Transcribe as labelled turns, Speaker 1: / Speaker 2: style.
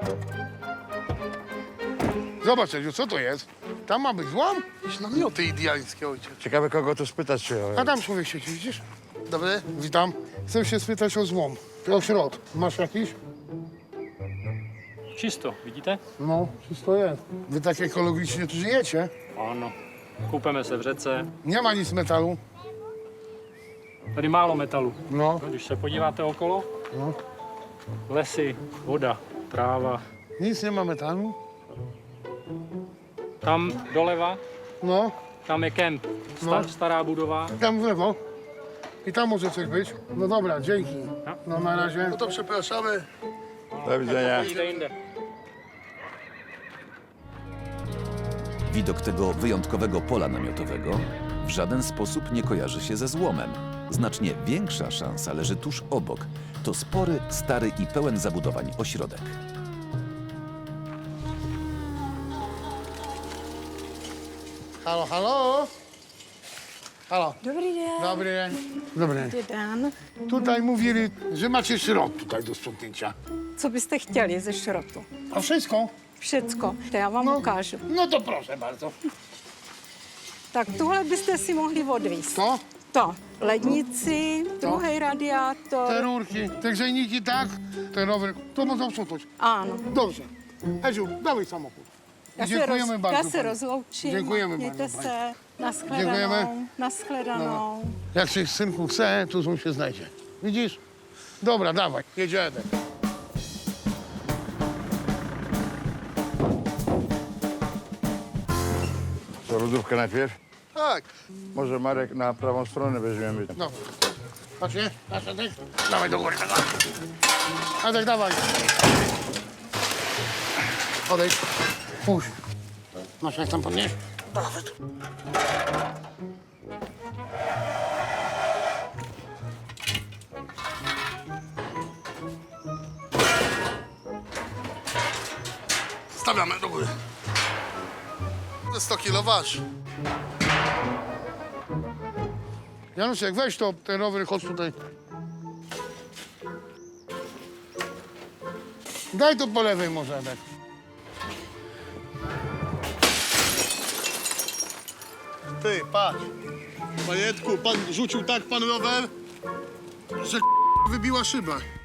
Speaker 1: Zobacz, Edziu, co to jest? Tam ma być złom? Jakieś namioty indiańskie, ojciec.
Speaker 2: Ciekawe, kogo tu spytać się.
Speaker 1: A tam człowiek siedzi, widzisz? Dobry. Witam. Chcę się spytać o złom. O środ. Masz jakiś?
Speaker 3: Čisto, vidíte?
Speaker 1: No, wszystko jest. Wy tak ekologicznie tu żyjecie?
Speaker 3: Ano. Koupeme se v řece.
Speaker 1: Nie ma nic metalu.
Speaker 3: Tady málo metalu.
Speaker 1: No,
Speaker 3: Když se podíváte okolo,
Speaker 1: no.
Speaker 3: lesy, voda, tráva.
Speaker 1: Nic nie ma metalu.
Speaker 3: Tam doleva,
Speaker 1: No,
Speaker 3: tam je kemp.
Speaker 1: No.
Speaker 3: Stará budova.
Speaker 1: tam w lewo. I tam może coś być. No dobra, dzięki. No na razie. No to przepraszamy.
Speaker 2: Do widzenia.
Speaker 3: Jde jinde.
Speaker 4: Widok tego wyjątkowego pola namiotowego w żaden sposób nie kojarzy się ze złomem. Znacznie większa szansa leży tuż obok. To spory, stary i pełen zabudowań ośrodek.
Speaker 1: Halo, halo. Halo.
Speaker 5: Dobrý den.
Speaker 1: Dobry dzień. Dobry.
Speaker 5: Dobrý den.
Speaker 1: Tutaj mówili, że macie szrot tutaj do sprzątnięcia.
Speaker 5: Co byste chtěli ze šrotu?
Speaker 1: A wszystko?
Speaker 5: Všecko. To já vám ukážu.
Speaker 1: No to proszę bardzo.
Speaker 5: Tak tohle byste si mohli odvízt.
Speaker 1: To?
Speaker 5: To. Lednici, druhý radiátor.
Speaker 1: Te rurki, te grzejniki, tak? Ten rower. To można sprzątnąć.
Speaker 5: Ano.
Speaker 1: Dobrze. Edziu, dawaj samochód.
Speaker 5: Já
Speaker 1: Dziękujemy bardzo.
Speaker 5: Já se
Speaker 1: pani.
Speaker 5: rozloučím.
Speaker 1: Děkujeme,
Speaker 5: Mějte
Speaker 1: paní.
Speaker 5: se. Naschledanou.
Speaker 1: Děkujeme.
Speaker 5: Naschledanou.
Speaker 1: Jak się synku chce, to on się znajdzie. Widzisz? Dobra, dawaj, jedziemy.
Speaker 2: Co, lodówkę najpierw?
Speaker 1: Tak.
Speaker 2: Może Marek na prawą stronę weźmiemy.
Speaker 1: No. Patrzcie, patrz, Adek. Dawaj do góry. Adek, dawaj. Odejdź. Puść. Masz jak tam podnieść? Dawaj. Stawiamy do góry. 100 kilo waż. Januszek, weź to, ten rower, chodź tutaj. Daj to po lewej może, Edek.
Speaker 6: Ty, patrz. Panietku, pan rzucił tak pan rower, że wybiła szyba.